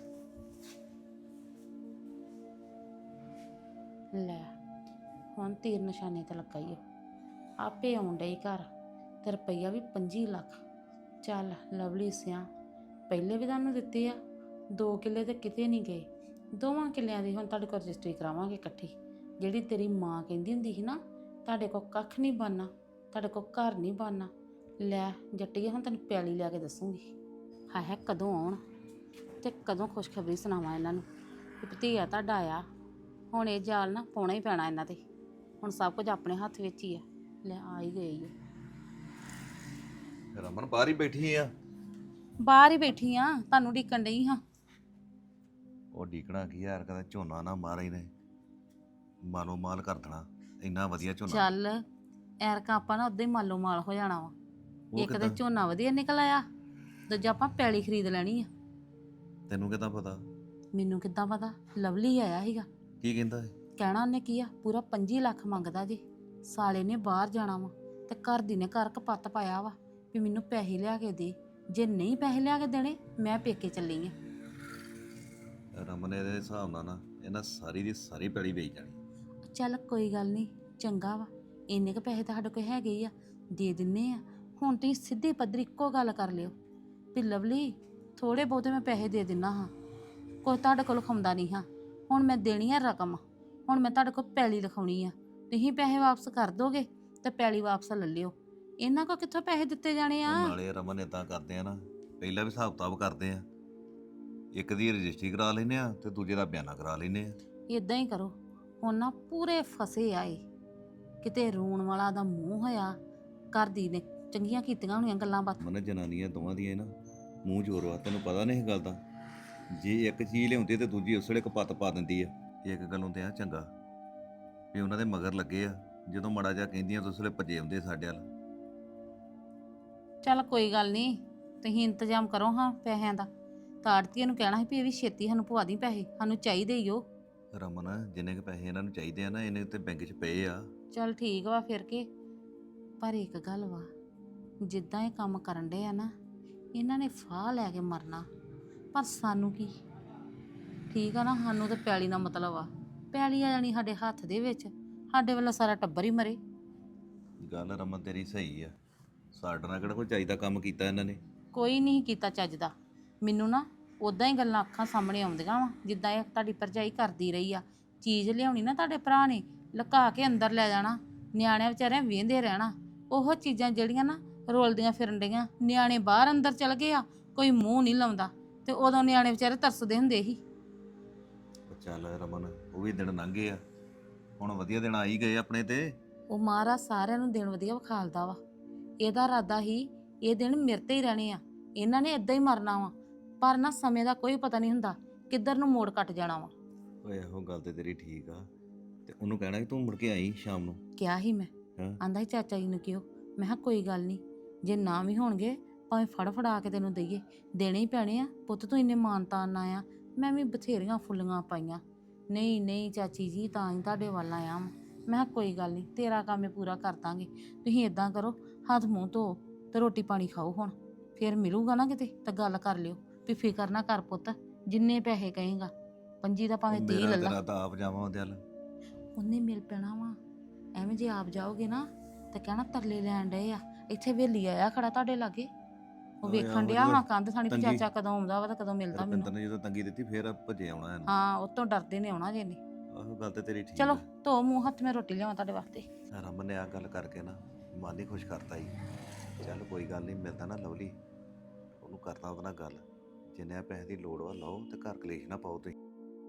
Speaker 3: ਲੈ ਹੁਣ ਤੀਰ ਨਿਸ਼ਾਨੇ ਤੇ ਲੱਗਾ ਹੀ ਆਪੇ ਆਉਣ ਡਈ ਘਰ, ਤੇ ਰੁਪਈਆ ਵੀ 25 ਲੱਖ। ਚੱਲ ਲਵਲੀ ਸਿਆ, ਪਹਿਲੇ ਵੀ ਤੁਹਾਨੂੰ ਦਿੱਤੇ ਆ 2 ਕਿੱਲੇ ਤੇ ਕਿਤੇ ਨਹੀਂ ਗਏ, 2 ਕਿੱਲਿਆਂ ਦੀ ਹੁਣ ਤੁਹਾਡੇ ਕੋਲ ਰਜਿਸਟਰੀ ਕਰਾਵਾਂਗੇ ਇਕੱਠੀ। ਜਿਹੜੀ ਤੇਰੀ ਮਾਂ ਕਹਿੰਦੀ ਹੁੰਦੀ ਸੀ ਨਾ, ਤੁਹਾਡੇ ਕੋਲ ਕੱਖ ਨਹੀਂ ਬਣਨਾ, ਤੁਹਾਡੇ ਕੋਲ ਘਰ ਨਹੀਂ ਬਣਨਾ। ਲੈ ਜੱਟੀਏ, ਹੁਣ ਤੈਨੂੰ ਪਿਆਲੀ ਲਿਆ ਕੇ ਦੱਸੂਗੀ। ਹਾਏ ਕਦੋਂ ਆਉਣ ਤੇ ਕਦੋਂ ਖੁਸ਼ਖਬਰੀ ਸੁਣਾਵਾਂ ਇਹਨਾਂ ਨੂੰ ਕਿ ਭਤੀਆ ਤੁਹਾਡਾ ਆਇਆ। ਹੁਣ ਇਹ ਜਾਲ ਨਾ ਪਾਉਣਾ ਹੀ ਪੈਣਾ ਇਹਨਾਂ ਤੇ, ਹੁਣ ਸਭ ਕੁਝ ਆਪਣੇ ਹੱਥ ਵਿੱਚ ਹੀ ਆ। ਲੈ ਆ ਹੀ ਗਈ ਆ।
Speaker 4: ਰਮਨ ਬਾਹਰ ਹੀ ਬੈਠੀ ਆ।
Speaker 3: ਬਾਹਰ ਹੀ ਬੈਠੀ ਆ, ਤੁਹਾਨੂੰ ਢੀਕਣ ਡਈ ਹਾਂ।
Speaker 4: ਉਹ ਡੀਕਣਾ ਕੀ ਯਾਰ, ਕਹਿੰਦਾ ਝੋਨਾ ਨਾ ਮਾਰੇ ਨੇ, ਮਾਲੋ ਮਾਲ ਕਰ ਦੇਣਾ, ਇੰਨਾ ਵਧੀਆ ਝੋਨਾ।
Speaker 3: ਚੱਲ ਐਰਕਾ ਆਪਾਂ ਨਾ ਉਦਾਂ ਹੀ ਮਾਲੋ ਮਾਲ ਹੋ ਜਾਣਾ ਵਾ।
Speaker 4: ਉਹ
Speaker 3: ਇੱਕ ਤਾਂ
Speaker 4: ਕਿੱਦਾਂ?
Speaker 3: ਝੋਨਾ ਵਧੀਆ ਨਿਕਲ ਆਇਆ, ਦੂਜਾ ਆਪਾਂ ਪੈਲੀ ਖਰੀਦ ਲੈਣੀ ਆ।
Speaker 4: ਤੈਨੂੰ ਕਿੱਦਾਂ ਪਤਾ?
Speaker 3: ਮੈਨੂੰ ਕਿੱਦਾਂ ਪਤਾ, ਲਵਲੀ ਆਇਆ ਸੀਗਾ।
Speaker 4: ਕੀ ਕਹਿੰਦਾ ਹੈ?
Speaker 3: ਕਹਿਣਾ ਉਹਨੇ ਕੀ ਆ, ਪੂਰਾ 25 ਲੱਖ ਮੰਗਦਾ ਜੀ। ਸਾਲੇ ਨੇ ਬਾਹਰ ਜਾਣਾ ਵਾ ਤੇ ਘਰ ਦੀ ਨੇ ਘਰ ਕਪੱਤ ਪਾਇਆ ਵਾ ਵੀ ਮੈਨੂੰ ਪੈਸੇ ਲਿਆ ਕੇ ਦੇ, ਜੇ ਨਹੀਂ ਪੈਸੇ ਲਿਆ ਕੇ ਦੇਣੇ ਮੈਂ ਪੇਕੇ ਚੱਲੀ ਆ।
Speaker 4: ਰਮਨ ਇਹਦੇ ਹਿਸਾਬ ਨਾਲ ਨਾ ਇਹਨਾਂ ਸਾਰੀ ਦੀ ਸਾਰੀ ਪੈਲੀ ਵੇਚ ਜਾਣੀ।
Speaker 3: ਚੱਲ ਕੋਈ ਗੱਲ ਨਹੀਂ, ਚੰਗਾ ਵਾ, ਇੰਨੇ ਕ ਪੈਸੇ ਤਾਂ ਸਾਡੇ ਕੋਲ ਹੈਗੇ ਹੀ ਆ, ਦੇ ਦਿੰਨੇ ਆ। ਹੁਣ ਤੁਸੀਂ ਸਿੱਧੀ ਪੱਧਰੀ ਇੱਕੋ ਗੱਲ ਕਰ ਲਿਓ ਵੀ ਲਵਲੀ ਥੋੜੇ ਬਹੁਤੇ ਮੈਂ ਪੈਸੇ ਦੇ ਦਿੰਨਾ ਹਾਂ, ਕੋਈ ਤੁਹਾਡੇ ਕੋਲ ਲਿਖਾਉਂਦਾ ਨਹੀਂ ਹਾਂ। ਹੁਣ ਮੈਂ ਦੇਣੀ ਆ ਰਕਮ, ਹੁਣ ਮੈਂ ਤੁਹਾਡੇ ਕੋਲ ਪੈਲੀ ਲਿਖਾਉਣੀ ਆ, ਤੁਸੀਂ ਪੈਸੇ ਵਾਪਸ ਕਰ ਦੋਗੇ ਤੇ ਪੈਲੀ ਵਾਪਸ ਲੈ ਲਿਓ। ਇਹਨਾਂ ਕੋ ਕਿੱਥੋਂ ਪੈਸੇ ਦਿੱਤੇ ਜਾਣੇ ਆ?
Speaker 4: ਉਹ ਨਾਲੇ ਰਮਨ ਇਦਾਂ ਕਰਦੇ ਆ ਨਾ, ਪਹਿਲਾਂ ਵੀ ਹਿਸਾਬ ਕਿਤਾਬ ਕਰਦੇ ਆ, ਇੱਕ ਦੀ ਰਜਿਸਟਰੀ ਕਰਾ ਲੈਨੇ ਆ ਤੇ ਦੂਜੇ ਦਾ ਬਿਆਨਾ ਕਰਾ ਲੈਨੇ ਆ।
Speaker 3: ਇਦਾਂ ਹੀ ਕਰੋ। ਹੁਣ ਨਾ ਪੂਰੇ ਫਸੇ ਆਏ, ਕਿਤੇ ਰੋਣ ਵਾਲਾ ਦਾ ਮੂੰਹ ਹੋਇਆ, ਘਰ ਦੀ ਨੇ ਚੰਗੀਆਂ ਕੀਤੀਆਂ ਹੋਣੀਆਂ ਗੱਲਾਂ ਬਾਤਾਂ।
Speaker 4: ਮਨ ਜਨਾਨੀਆਂ ਦੋਵਾਂ ਦੀਆਂ ਨਾ ਮੂੰਹ ਜ਼ੋਰ ਵਾ, ਤੈਨੂੰ ਪਤਾ ਨਹੀਂ ਇਹ ਗੱਲ ਦਾ। ਜੇ ਇੱਕ ਚੀਜ਼ ਲਿਆਉਂਦੀ ਤੇ ਦੂਜੀ ਉਸ ਵੇਲੇ ਕਪੱਤ ਪਾ ਦਿੰਦੀ ਆ। ਇੱਕ ਗੱਲੋਂ ਤੇ ਆ ਚੰਗਾ ਵੀ ਉਹਨਾਂ ਦੇ ਮਗਰ ਲੱਗੇ ਆ, ਜਦੋਂ ਮਾੜਾ ਜਿਹਾ ਕਹਿੰਦੀਆਂ ਤਾਂ ਉਸ ਵੇਲੇ ਭੱਜੇ ਆਉਂਦੇ ਸਾਡੇ ਵੱਲ।
Speaker 3: ਚੱਲ ਕੋਈ ਗੱਲ ਨਹੀਂ, ਤੁਸੀਂ ਇੰਤਜ਼ਾਮ ਕਰੋ ਹਾਂ ਪੈਸਿਆਂ ਦਾ। ਤਾੜਤੀਆਂ ਨੂੰ ਕਹਿਣਾ ਸੀ ਵੀ ਇਹ ਵੀ ਛੇਤੀ ਸਾਨੂੰ ਪਵਾ ਦੀ ਪੈਸੇ, ਸਾਨੂੰ ਚਾਹੀਦੇ ਹੀ ਉਹ।
Speaker 4: ਰਮਨ ਜਿੰਨੇ ਕੁ ਪੈਸੇ ਇਹਨਾਂ ਨੂੰ ਚਾਹੀਦੇ ਆ ਨਾ, ਇਹਨੇ ਤੇ ਬੈਂਕ 'ਚ ਪਏ ਆ।
Speaker 3: ਚੱਲ ਠੀਕ ਵਾ ਫਿਰ ਕੇ, ਪਰ ਇੱਕ ਗੱਲ ਵਾ, ਜਿੱਦਾਂ ਇਹ ਕੰਮ ਕਰਨ ਡੇ ਆ ਨਾ, ਇਹਨਾਂ ਨੇ ਫਾਹ ਲੈ ਕੇ ਮਰਨਾ, ਪਰ ਸਾਨੂੰ ਕੀ ਠੀਕ ਆ ਨਾ। ਸਾਨੂੰ ਤਾਂ ਪੈਲੀ ਨਾਲ ਮਤਲਬ ਆ, ਪੈਲੀ ਆ ਜਾਣੀ ਸਾਡੇ ਹੱਥ ਦੇ ਵਿੱਚ, ਸਾਡੇ ਵੱਲੋਂ ਸਾਰਾ ਟੱਬਰ ਹੀ ਮਰੇ।
Speaker 4: ਗੱਲ ਰਮਨ ਤੇਰੀ ਸਹੀ ਆ, ਸਾਡੇ ਨਾਲ ਕਿਹੜਾ ਕੋਈ ਚਾਹੀਦਾ ਕੰਮ ਕੀਤਾ ਇਹਨਾਂ ਨੇ।
Speaker 3: ਕੋਈ ਨਹੀਂ ਕੀਤਾ ਚੱਜ ਦਾ। ਮੈਨੂੰ ਨਾ ਉਦਾਂ ਹੀ ਗੱਲਾਂ ਅੱਖਾਂ ਸਾਹਮਣੇ ਆਉਂਦੀਆਂ ਵਾ, ਜਿੱਦਾਂ ਇਹ ਤੁਹਾਡੀ ਭਰਜਾਈ ਕਰਦੀ ਰਹੀ ਆ। ਚੀਜ਼ ਲਿਆਉਣੀ ਨਾ ਤੁਹਾਡੇ ਭਰਾ ਨੇ ਲੁਕਾ ਕੇ ਅੰਦਰ ਲੈ ਜਾਣਾ, ਨਿਆਣਿਆਂ ਵਿਚਾਰਿਆਂ ਵੇਂਦੇ ਰਹਿਣਾ। ਉਹ ਚੀਜ਼ਾਂ ਜਿਹੜੀਆਂ ਨਾ ਰੋਲਦੀਆਂ ਫਿਰਨ ਡੀਆਂ, ਨਿਆਣੇ ਬਾਹਰ ਅੰਦਰ ਚਲ ਗਏ ਆ, ਕੋਈ ਮੂੰਹ ਨਹੀਂ ਲਾਉਂਦਾ, ਤੇ ਉਦੋਂ ਨਿਆਣੇ ਵਿਚਾਰੇ ਤਰਸਦੇ ਹੁੰਦੇ ਸੀ।
Speaker 4: ਚੱਲ ਰਮਨ, ਉਹ ਵੀ ਦਿਨ ਲੰਘੇ ਆ, ਹੁਣ ਵਧੀਆ ਦਿਨ ਆ ਹੀ ਗਏ ਆਪਣੇ ਤੇ।
Speaker 3: ਉਹ ਮਹਾਰਾਜ ਸਾਰਿਆਂ ਨੂੰ ਦਿਨ ਵਧੀਆ ਵਿਖਾਲਦਾ ਵਾ। ਇਹਦਾ ਇਰਾਦਾ ਹੀ ਇਹ ਦਿਨ ਮੇਰੇ ਤੇ ਹੀ ਰਹਿਣੇ ਆ, ਇਹਨਾਂ ਨੇ ਇਦਾਂ ਹੀ ਮਰਨਾ ਵਾ। ਪਰ ਨਾ ਸਮੇਂ ਦਾ ਕੋਈ ਪਤਾ ਨਹੀਂ ਹੁੰਦਾ, ਕਿੱਧਰ ਨੂੰ ਮੋੜ ਕੱਟ ਜਾਣਾ ਵਾ।
Speaker 4: ਓਏ ਇਹੋ ਗੱਲ ਤੇ ਤੇਰੀ ਠੀਕ ਆ, ਤੇ ਉਹਨੂੰ ਕਹਿਣਾ ਕਿ ਤੂੰ ਮੁੜ ਕੇ ਆਈ ਸ਼ਾਮ ਨੂੰ।
Speaker 3: ਕਿਹਾ ਹੀ ਮੈਂ,
Speaker 4: ਹਾਂ।
Speaker 3: ਆਂਦਾ ਸੀ ਚਾਚਾ ਜੀ ਨੂੰ ਕਿਉਂ। ਮੈਂ ਕਿਹਾ ਕੋਈ ਗੱਲ ਨਹੀਂ, ਜੇ ਨਾ ਵੀ ਹੋਣਗੇ ਭਾਵੇਂ ਫੜ ਫੜਾ ਕੇ ਤੈਨੂੰ ਦਈਏ, ਦੇਣੇ ਹੀ ਪੈਣੇ ਆ ਪੁੱਤ, ਤੂੰ ਇੰਨੇ ਮਾਨਤਾਨ ਨਾ ਆ। ਮੈਂ ਵੀ ਬਥੇਰੀਆਂ ਫੁੱਲੀਆਂ ਪਾਈਆਂ। ਨਹੀਂ ਨਹੀਂ ਚਾਚੀ ਜੀ, ਤਾਂ ਹੀ ਤੁਹਾਡੇ ਵੱਲ ਆਇਆ ਵਾਂ। ਮੈਂ ਕਿਹਾ ਕੋਈ ਗੱਲ ਨਹੀਂ, ਤੇਰਾ ਕੰਮ ਇਹ ਪੂਰਾ ਕਰ ਦਾਂਗੇ। ਤੁਸੀਂ ਇਦਾਂ ਕਰੋ, ਹੱਥ ਮੂੰਹ ਧੋ ਤੇ ਰੋਟੀ ਪਾਣੀ ਖਾਓ ਹੁਣ, ਫਿਰ ਮਿਲੂਗਾ ਨਾ ਕਿਤੇ ਤਾਂ ਗੱਲ ਕਰ ਲਿਓ ਵੀ ਫਿਕਰ ਨਾ ਕਰ ਪੁੱਤ, ਜਿੰਨੇ ਪੈਸੇ ਕਹੇਗਾ 25 ਦਾ ਭਾਵੇਂ 30
Speaker 4: ਮੇਰਾ
Speaker 3: ਲੈ ਲਾ।
Speaker 4: ਤੇਰਾ ਤਾਂ ਆਪ ਜਾਵਾਂ ਉਹਦੇ ਵੱਲ।
Speaker 3: ਉਹਨੇ ਮਿਲ ਪੈਣਾ ਵਾ। ਐਵੇਂ ਜੇ ਆਪ ਜਾਓਗੇ ਨਾ ਤੇ ਕਹਿਣਾ ਤਰਲੇ ਲੈਣ ਡਏ ਆ, ਇੱਥੇ ਵੇਲੀ ਆਇਆ ਖੜਾ ਤੁਹਾਡੇ ਲਾਗੇ, ਉਹ
Speaker 4: ਓਏ
Speaker 3: ਵੇਖਣ
Speaker 4: ਆਹੋ
Speaker 3: ਡਿਆ
Speaker 4: ਜਦੋਂ
Speaker 3: ਵਾ ਕੰਧ ਥਾਣੀ ਵੀ
Speaker 4: ਤੰਗੀ-
Speaker 3: ਚਾਚਾ ਕਦੋਂ ਆਉਂਦਾ ਵਾ ਤੇ ਕਦੋਂ ਮਿਲਦਾ
Speaker 4: ਰੁਪਿੰਦਰ
Speaker 3: ਮੈਨੂੰ।
Speaker 4: ਨੇ ਜਦੋਂ ਤੰਗੀ ਦਿੱਤੀ ਫੇਰ ਭੱਜੇ ਆਉਣਾ ਇਹਨੂੰ।
Speaker 3: ਹਾਂ, ਉਹ ਤੋਂ ਡਰਦੇ ਨੇ ਆਉਣਾ ਜੇ ਨੇ।
Speaker 4: ਆਹੋ ਗੱਲ ਤੇ ਤੇਰੀ ਠੀਕ
Speaker 3: ਚਲੋ
Speaker 4: ਆ।
Speaker 3: ਧੋ ਮੂੰਹ ਹੱਥ, ਮੈਂ ਰੋਟੀ ਲਿਆਵਾਂ ਤੁਹਾਡੇ ਵਾਸਤੇ।
Speaker 4: ਰਮਨ ਨੇ ਆ ਗੱਲ ਕਰਕੇ ਨਾ ਮਨ ਹੀ ਖੁਸ਼ ਕਰਤਾ ਹੀ। ਚੱਲ ਕੋਈ ਗੱਲ ਨਹੀਂ, ਮਿਲਦਾ ਨਾ ਲਵਲੀ, ਉਹਨੂੰ ਕਰਦਾ ਉਹਦੇ ਨਾਲ ਗੱਲ, ਜਿੰਨੇ ਪੈਸੇ ਦੀ ਲੋੜ ਵਾ ਲਓ ਤੇ ਘਰ ਕਲੇਸ਼ ਨਾ ਪਾਓ ਤੁਸੀਂ।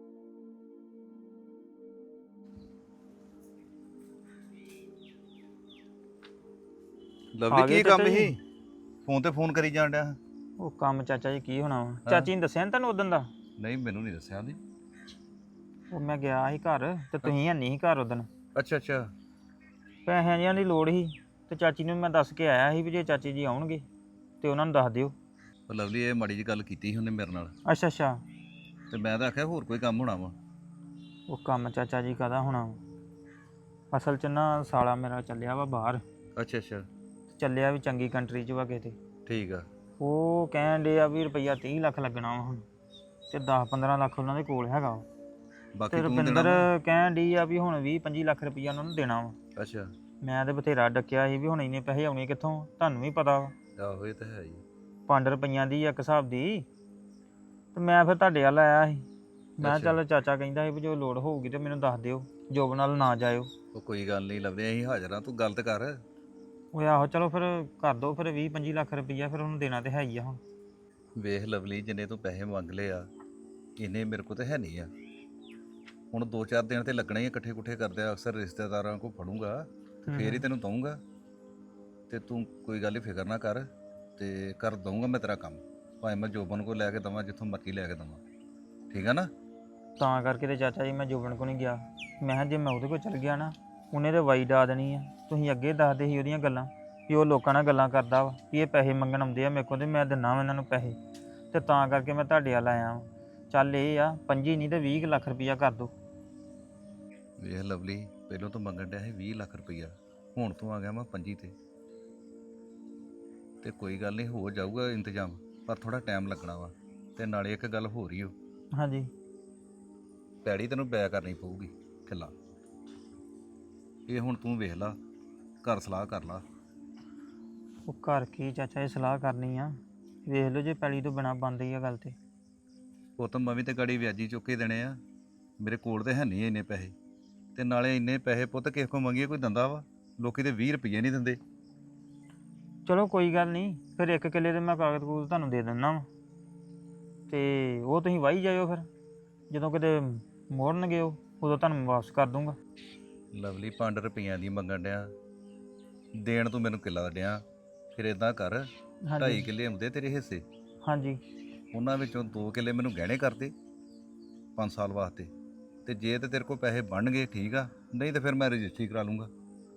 Speaker 2: ਆ
Speaker 4: ਲਵਲੀ
Speaker 2: ਗਏ
Speaker 4: ਕੀ ਕੰਮ
Speaker 2: ਚਾਚਾ ਜੀ?
Speaker 4: ਸੀ? ਫੋਨ ਤੇ ਫੋਨ ਕਰੀ ਜਾਣ ਡਿਆ।
Speaker 2: ਉਹ ਕੰਮ ਚਾਚਾ ਜੀ ਕੀ ਹੋਣਾ ਵਾ, ਚਾਚੀ ਨੇ ਦੱਸਿਆ ਨੀ ਤੁਹਾਨੂੰ ਉਦੋਂ ਦਾ?
Speaker 4: ਨਹੀਂ ਮੈਨੂੰ ਨਹੀਂ ਦੱਸਿਆ ਉਹਨੇ।
Speaker 2: ਉਹ ਮੈਂ ਗਿਆ ਸੀ ਘਰ ਤੇ ਤੁਸੀਂ ਹੈ ਨਹੀਂ ਸੀ ਘਰ ਉਦੋਂ।
Speaker 4: ਅੱਛਾ ਅੱਛਾ।
Speaker 2: ਪੈਸਿਆਂ ਜਿਹਾਂ ਦੀ ਲੋੜ ਸੀ ਤੇ ਚਾਚੀ ਨੂੰ ਮੈਂ ਦੱਸ ਕੇ ਆਇਆ ਸੀ ਵੀ ਜੇ ਚਾਚੀ ਜੀ ਆਉਣਗੇ ਤੇ ਉਹਨਾਂ ਨੂੰ ਦੱਸ ਦਿਓ।
Speaker 4: ਉਹ ਲਵਲੀ ਇਹ ਮਾੜੀ ਜਿਹੀ ਗੱਲ ਕੀਤੀ ਸੀ ਉਹਨੇ ਮੇਰੇ ਨਾਲ,
Speaker 2: ਅੱਛਾ ਅੱਛਾ।
Speaker 4: ਤੇ ਮੈਂ ਤਾਂ ਆਖਿਆ ਹੋਰ ਕੋਈ ਕੰਮ ਹੋਣਾ ਵਾ।
Speaker 2: ਉਹ ਕੰਮ ਚਾਚਾ ਜੀ ਕਾਹਦਾ ਹੋਣਾ ਵਾ? ਅਸਲ 'ਚ ਨਾ ਸਾਲਾ ਮੇਰਾ ਚੱਲਿਆ ਵਾ ਬਾਹਰ,
Speaker 4: ਅੱਛਾ ਅੱਛਾ।
Speaker 2: ਚੱਲਿਆ ਵੀ ਚੰਗੀ ਕੰਟਰੀ 'ਚ ਵਾ ਕਿਤੇ।
Speaker 4: ਠੀਕ ਆ।
Speaker 2: ਉਹ ਕਹਿਣ ਡੇ ਆ ਵੀ ਰੁਪਈਆ 30 ਲੱਖ ਲੱਗਣਾ ਵਾ ਹੁਣ, ਤੇ 10-15 ਲੱਖ ਉਹਨਾਂ ਦੇ ਕੋਲ ਹੈਗਾ ਵਾ।
Speaker 4: ਬਾਕੀ
Speaker 2: ਤੇ
Speaker 4: ਤੂੰ ਦੇਣਾ
Speaker 2: ਰੁਪਿੰਦਰ
Speaker 4: ਵਾ?
Speaker 2: ਕਹਿਣ ਡਈ ਆ ਵੀ ਹੁਣ 20-25 ਲੱਖ ਰੁਪਈਆ ਉਹਨਾਂ ਨੂੰ ਦੇਣਾ ਵਾ।
Speaker 4: ਅੱਛਾ।
Speaker 2: ਮੈਂ ਤੇ ਬਥੇਰਾ ਡੱਕਿਆ ਸੀ ਵੀ ਹੁਣ ਇੰਨੇ ਪੈਸੇ ਆਉਣੇ ਕਿੱਥੋਂ, ਤੁਹਾਨੂੰ ਵੀ ਪਤਾ ਵਾ
Speaker 4: ਆਹੋ ਇਹ ਤਾਂ ਹੈ ਹੀ।
Speaker 2: 5 ਰੁਪਈਆਂ ਦੀ ਇੱਕ ਹਿਸਾਬ ਦੀ। ਤੇ ਮੈਂ ਫਿਰ ਤੁਹਾਡੇ ਵੱਲ ਆਇਆ ਸੀ, ਮੈਂ
Speaker 4: ਅੱਛਾ।
Speaker 2: ਚੱਲ ਚਾਚਾ ਕਹਿੰਦਾ ਸੀ ਵੀ ਜੋ ਲੋੜ ਹੋਊਗੀ ਤੇ ਮੈਨੂੰ ਦੱਸ ਦਿਓ, ਜੋਬ ਨਾਲ ਨਾ ਜਾਇਓ।
Speaker 4: ਉਹ ਕੋਈ ਗੱਲ ਨਹੀਂ ਲੱਭਦੇ, ਅਸੀਂ ਹਾਜ਼ਰ ਆ, ਤੂੰ ਗੱਲ ਤੇ ਕਰ।
Speaker 2: ਉਹ ਆਹੋ ਚਲੋ ਫਿਰ ਕਰ ਦੋ ਫਿਰ 20-25 ਲੱਖ ਰੁਪਈਆ, ਫਿਰ ਉਹਨੂੰ ਦੇਣਾ ਤੇ ਹੈ ਹੀ ਆ ਹੁਣ।
Speaker 4: ਵੇਖ ਲਵਲੀ, ਜਿੰਨੇ ਤੂੰ ਪੈਸੇ ਮੰਗ ਲਏ ਆ ਇੰਨੇ ਮੇਰੇ ਕੋਲ ਤਾਂ ਹੈ ਨਹੀਂ ਆ। ਹੁਣ 2-4 ਦਿਨ ਤੇ ਲੱਗਣੇ ਹੀ ਇਕੱਠੇ ਕੁੱਠੇ ਕਰਦੇ ਆ, ਅਕਸਰ ਰਿਸ਼ਤੇਦਾਰਾਂ ਕੋਲ ਫੜੂੰਗਾ ਤੇ ਫੇਰ ਹੀ ਤੈਨੂੰ ਦਊਂਗਾ। ਤੇ ਤੂੰ ਕੋਈ ਗੱਲ ਹੀ ਫਿਕਰ ਨਾ ਕਰ, ਤੇ ਕਰ ਦਊਂਗਾ ਮੈਂ ਤੇਰਾ ਕੰਮ, ਭਾਵੇਂ ਮੈਂ ਜੋਬਨ ਕੋਲ ਲੈ ਕੇ ਦਵਾਂ, ਜਿੱਥੋਂ ਮਰਜ਼ੀ ਲੈ ਕੇ ਦਵਾਂ। ਠੀਕ ਆ ਨਾ?
Speaker 2: ਤਾਂ ਕਰਕੇ ਤੇ ਚਾਚਾ ਜੀ ਮੈਂ ਜੋਬਨ ਕੋ ਨਹੀਂ ਗਿਆ। ਮੈਂ ਕਿਹਾ ਜੇ ਮੈਂ ਉਹਦੇ ਕੋਲ ਚਲ ਗਿਆ ਨਾ ਉਹਨੇ ਤੇ ਵਾਈ ਡਾ ਦੇਣੀ ਆ। ਤੁਸੀਂ ਅੱਗੇ ਦੱਸਦੇ ਸੀ ਉਹਦੀਆਂ ਗੱਲਾਂ ਵੀ ਉਹ ਲੋਕਾਂ ਨਾਲ ਗੱਲਾਂ ਕਰਦਾ ਵਾ ਵੀ ਇਹ ਪੈਸੇ ਮੰਗਣ ਆਉਂਦੇ ਆ ਮੇਰੇ ਕੋਲ ਤੇ ਮੈਂ ਦਿੰਦਾ ਵਾ ਇਹਨਾਂ ਨੂੰ ਪੈਸੇ, ਤੇ ਤਾਂ ਕਰਕੇ ਮੈਂ ਤੁਹਾਡੇ ਵੱਲ ਆਇਆ ਵਾਂ। ਚੱਲ ਇਹ ਆ 25 ਨਹੀਂ ਤੇ 20 ਲੱਖ ਰੁਪਈਆ ਕਰ ਦੋ।
Speaker 4: ਵੇਖ ਲਵਲੀ, ਪਹਿਲਾਂ ਤੂੰ ਮੰਗਣ ਡਿਆ ਸੀ 20 ਲੱਖ ਰੁਪਈਆ, ਹੁਣ ਤੂੰ ਆ ਗਿਆ ਮੈਂ 25 ਤੇ ਕੋਈ ਗੱਲ ਨਹੀਂ, ਹੋ ਜਾਊਗਾ ਇੰਤਜ਼ਾਮ, ਪਰ ਥੋੜਾ ਟਾਈਮ ਲੱਗਣਾ ਵਾ। ਤੇ ਨਾਲੇ ਇੱਕ ਗੱਲ ਹੋ ਰਹੀ ਓ,
Speaker 2: ਹਾਂਜੀ।
Speaker 4: ਪੈੜੀ ਤੈਨੂੰ ਬੈ ਕਰਨੀ ਪਊਗੀ ਕਿੱਲਾ। ਇਹ ਹੁਣ ਤੂੰ ਵੇਖ ਲਾ, ਘਰ ਸਲਾਹ ਕਰ ਲਾ।
Speaker 2: ਉਹ ਘਰ ਕੀ ਚਾਚਾ ਇਹ ਸਲਾਹ ਕਰਨੀ ਆ, ਵੇਖ ਲਓ ਜੇ ਪੈਲੀ ਤੋਂ ਬਿਨਾ ਬੰਦ ਹੀ ਆ ਗੱਲ ਤੇ।
Speaker 4: ਪੁੱਤ ਮੈਂ ਵੀ ਤੇ ਗਾੜੀ ਵਿਆਜੀ ਚੁੱਕ ਕੇ ਦੇਣੇ ਆ, ਮੇਰੇ ਕੋਲ ਤੇ ਹੈ ਨਹੀਂ ਇੰਨੇ ਪੈਸੇ। ਤੇ ਨਾਲੇ ਇੰਨੇ ਪੈਸੇ ਪੁੱਤ ਕਿਸੇ ਕੋਲ ਮੰਗੀਏ ਕੋਈ ਦਿੰਦਾ ਵਾ? ਲੋਕੀ ਤੇ 20 ਰੁਪਏ ਨਹੀਂ ਦਿੰਦੇ।
Speaker 2: ਚਲੋ ਕੋਈ ਗੱਲ ਨਹੀਂ, ਫਿਰ 1 ਕਿੱਲੇ ਦੇ ਮੈਂ ਕਾਗਜ਼ ਕੂਗਜ਼ ਤੁਹਾਨੂੰ ਦੇ ਦਿੰਦਾ ਵਾ, ਤੇ ਉਹ ਤੁਸੀਂ ਵਾਹੀ ਜਾਇਓ। ਫਿਰ ਜਦੋਂ ਕਿਤੇ ਮੋੜਨਗੇ ਉਹ ਉਦੋਂ ਤੁਹਾਨੂੰ ਵਾਪਸ ਕਰ ਦੂੰਗਾ।
Speaker 4: ਲਵਲੀ 5 ਰੁਪਈਆਂ ਦੀ ਮੰਗਣ ਡਿਆ, ਦੇਣ ਤੂੰ ਮੈਨੂੰ ਕਿੱਲਾ ਡਿਆ। ਫਿਰ ਇਦਾਂ ਕਰ, 2.5 ਕਿੱਲੇ ਹੁੰਦੇ ਤੇਰੇ ਹਿੱਸੇ,
Speaker 2: ਹਾਂਜੀ।
Speaker 4: ਉਹਨਾਂ ਵਿੱਚੋਂ 2 ਕਿੱਲੇ ਮੈਨੂੰ ਗਹਿਣੇ ਕਰਦੇ 5 ਸਾਲ ਵਾਸਤੇ। ਤੇ ਜੇ ਤੇ ਤੇਰੇ ਕੋਲ ਪੈਸੇ ਬਣ ਗਏ ਠੀਕ ਆ, ਨਹੀਂ ਤੇ ਫਿਰ ਮੈਂ ਰਜਿਸਟਰੀ ਕਰਾ ਲੂੰਗਾ।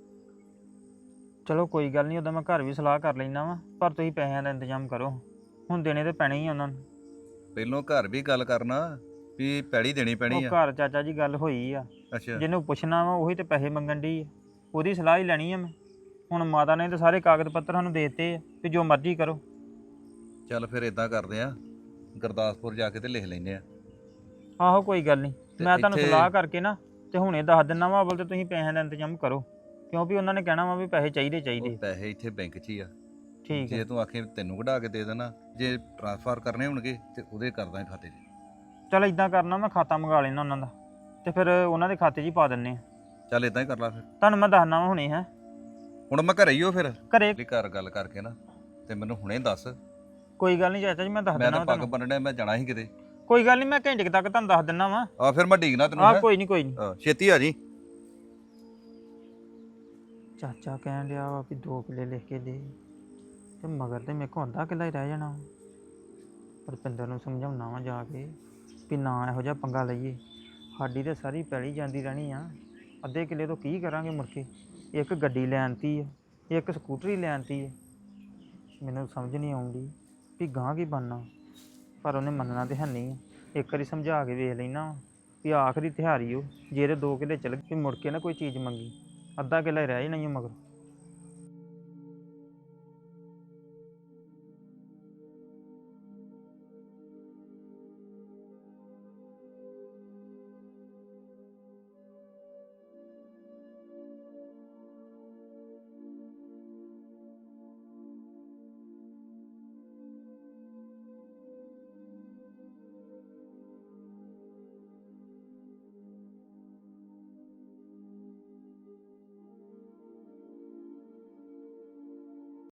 Speaker 2: ਚਲੋ ਕੋਈ ਗੱਲ ਨਹੀਂ, ਉਦੋਂ ਮੈਂ ਘਰ ਵੀ ਸਲਾਹ ਕਰ ਲੈਂਦਾ ਵਾਂ, ਪਰ ਤੁਸੀਂ ਪੈਸਿਆਂ ਦਾ ਇੰਤਜ਼ਾਮ ਕਰੋ, ਹੁਣ ਦੇਣੇ ਤੇ ਪੈਣੇ ਹੀ ਆ ਉਹਨਾਂ ਨੂੰ।
Speaker 4: ਪਹਿਲੋਂ ਘਰ ਵੀ ਗੱਲ ਕਰਨਾ ਵੀ ਪੈੜੀ ਦੇਣੀ ਪੈਣੀ
Speaker 2: ਉਹ
Speaker 4: ਆ।
Speaker 2: ਘਰ ਚਾਚਾ ਜੀ ਗੱਲ ਹੋਈ ਆ,
Speaker 4: ਅੱਛਾ।
Speaker 2: ਜਿਹਨੂੰ ਪੁੱਛਣਾ ਵਾ ਉਹੀ ਤੇ ਪੈਸੇ ਮੰਗਣ ਡਈ ਆ, ਉਹਦੀ ਸਲਾਹ ਹੀ ਲੈਣੀ ਆ ਮੈਂ। ਹੁਣ ਮਾਤਾ ਨੇ ਤਾਂ ਸਾਰੇ ਕਾਗਜ਼ ਪੱਤਰ ਸਾਨੂੰ ਦੇ ਦਿੱਤੇ ਆ ਵੀ ਜੋ ਮਰਜ਼ੀ ਕਰੋ।
Speaker 4: ਚੱਲ ਫਿਰ ਇਦਾਂ ਕਰਦੇ ਆ, ਗੁਰਦਾਸਪੁਰ ਜਾ ਕੇ ਤੇ ਲਿਖ ਲੈਂਦੇ ਆ।
Speaker 2: ਆਹੋ ਕੋਈ ਗੱਲ ਨਹੀਂ,
Speaker 4: ਤੇ
Speaker 2: ਮੈਂ ਤੁਹਾਨੂੰ
Speaker 4: ਇੱਥੇ-
Speaker 2: ਸਲਾਹ ਕਰਕੇ ਨਾ ਤੇ ਹੁਣੇ ਦੱਸ ਦਿੰਦਾ ਵਾ, ਅਵਲ ਤੇ ਤੁਸੀਂ ਪੈਸਿਆਂ ਦਾ ਇੰਤਜ਼ਾਮ ਕਰੋ, ਕਿਉਂਕਿ ਉਹਨਾਂ ਨੇ ਕਹਿਣਾ ਵਾ ਵੀ ਪੈਸੇ ਚਾਹੀਦੇ ਚਾਹੀਦੇ।
Speaker 4: ਉਹ ਪੈਸੇ ਇੱਥੇ ਬੈਂਕ 'ਚ ਹੀ ਆ।
Speaker 2: ਠੀਕ
Speaker 4: ਜੇ
Speaker 2: ਹੈ,
Speaker 4: ਤੂੰ ਆਖੇ ਤੈਨੂੰ ਕਢਾ ਕੇ ਦੇ ਦੇਣਾ, ਜੇ ਟ੍ਰਾਂਸਫਰ ਕਰਨੇ ਹੋਣਗੇ ਤੇ ਉਹਦੇ ਕਰਦਾ ਖਾਤੇ 'ਚ।
Speaker 2: ਚਲ ਇਦਾਂ ਕਰਨਾ, ਮੈਂ ਖਾਤਾ ਮੰਗਾ ਲੈਣਾ ਉਹਨਾਂ ਦਾ ਤੇ ਫਿਰ ਉਹਨਾਂ ਦੇ ਖਾਤੇ 'ਚ ਹੀ ਪਾ ਦਿੰਨੇ ਆ।
Speaker 4: ਚੱਲ ਇਦਾਂ ਹੀ ਕਰ ਲਾ ਫਿਰ।
Speaker 2: ਤੁਹਾਨੂੰ ਮੈਂ ਦੱਸਣਾ ਵਾ ਹੁਣੇ। ਹੈ
Speaker 4: ਹੁਣ ਮੈਂ ਘਰੇ ਹੀ ਹੋ ਫਿਰ
Speaker 2: ਘਰੇ?
Speaker 4: ਘਰ ਗੱਲ ਕਰਕੇ ਨਾ ਤੇ ਮੈਨੂੰ ਹੁਣੇ ਦੱਸ।
Speaker 2: ਕੋਈ ਗੱਲ ਨਹੀਂ ਚਾਚਾ ਜੀ, ਮੈਂ ਦੱਸ
Speaker 4: ਮੈਂ
Speaker 2: ਦਿੰਦਾ
Speaker 4: ਤਾਂ
Speaker 2: ਵਾ
Speaker 4: ਪੱਗ
Speaker 2: ਤੁਹਾਨੂੰ।
Speaker 4: ਬੰਨਣਾ, ਮੈਂ ਜਾਣਾ ਸੀ ਕਿਤੇ।
Speaker 2: ਕੋਈ ਗੱਲ ਨਹੀਂ, ਮੈਂ ਘੰਟੇ ਕੁ ਤੱਕ ਤੁਹਾਨੂੰ ਦੱਸ ਦਿੰਦਾ ਵਾ।
Speaker 4: ਆ ਫਿਰ ਮੈਂ ਡੀਕਣਾ ਤੈਨੂੰ।
Speaker 2: ਆਹ
Speaker 4: ਹੈਂ?
Speaker 2: ਕੋਈ ਨਹੀਂ ਕੋਈ ਨਹੀਂ।
Speaker 4: ਛੇਤੀ ਆ ਜੀ।
Speaker 2: ਚਾਚਾ ਕਹਿਣ ਡਿਆ ਵਾ ਵੀ 2 ਕਿੱਲੇ ਲਿਖ ਕੇ ਦੇ, ਤੇ ਮਗਰ ਤੇ ਮੇਰੇ ਕੋਲ ਅੱਧਾ ਕਿੱਲਾ ਹੀ ਰਹਿ ਜਾਣਾ। ਰੁਪਿੰਦਰ ਨੂੰ ਸਮਝਾਉਣਾ ਵਾ ਜਾ ਕੇ ਵੀ ਨਾ ਇਹੋ ਜਿਹਾ ਪੰਗਾ ਲਈਏ। ਸਾਡੀ ਤੇ ਸਾਰੀ ਪੈਲੀ ਜਾਂਦੀ ਰਹਿਣੀ ਆ, ਅੱਧੇ ਕਿੱਲੇ ਤੋਂ ਕੀ ਕਰਾਂਗੇ ਮੁੜ ਕੇ। ਇੱਕ ਗੱਡੀ ਲੈਣਤੀ ਆ, ਇੱਕ ਸਕੂਟਰੀ ਲੈਣਤੀ ਆ। ਮੈਨੂੰ ਸਮਝ ਨਹੀਂ ਆਉਂਦੀ ਵੀ ਗਾਂ ਕੀ ਬਣਨਾ, ਪਰ ਉਹਨੇ ਮੰਨਣਾ ਤੇ ਹੈ ਨਹੀਂ ਆ। ਇੱਕ ਵਾਰੀ ਸਮਝਾ ਕੇ ਵੇਖ ਲੈਣਾ ਵੀ ਆਖਰੀ ਤਿਹਾਰੀ ਉਹ ਜੇ ਤੇ 2 ਕਿੱਲੇ ਚਲ ਗਏ ਮੁੜ ਕੇ ਨਾ ਕੋਈ ਚੀਜ਼ ਮੰਗੀ, ਅੱਧਾ ਕਿੱਲਾ ਹੀ ਰਹਿ ਜਾਣਾ ਹੀ ਮਗਰ।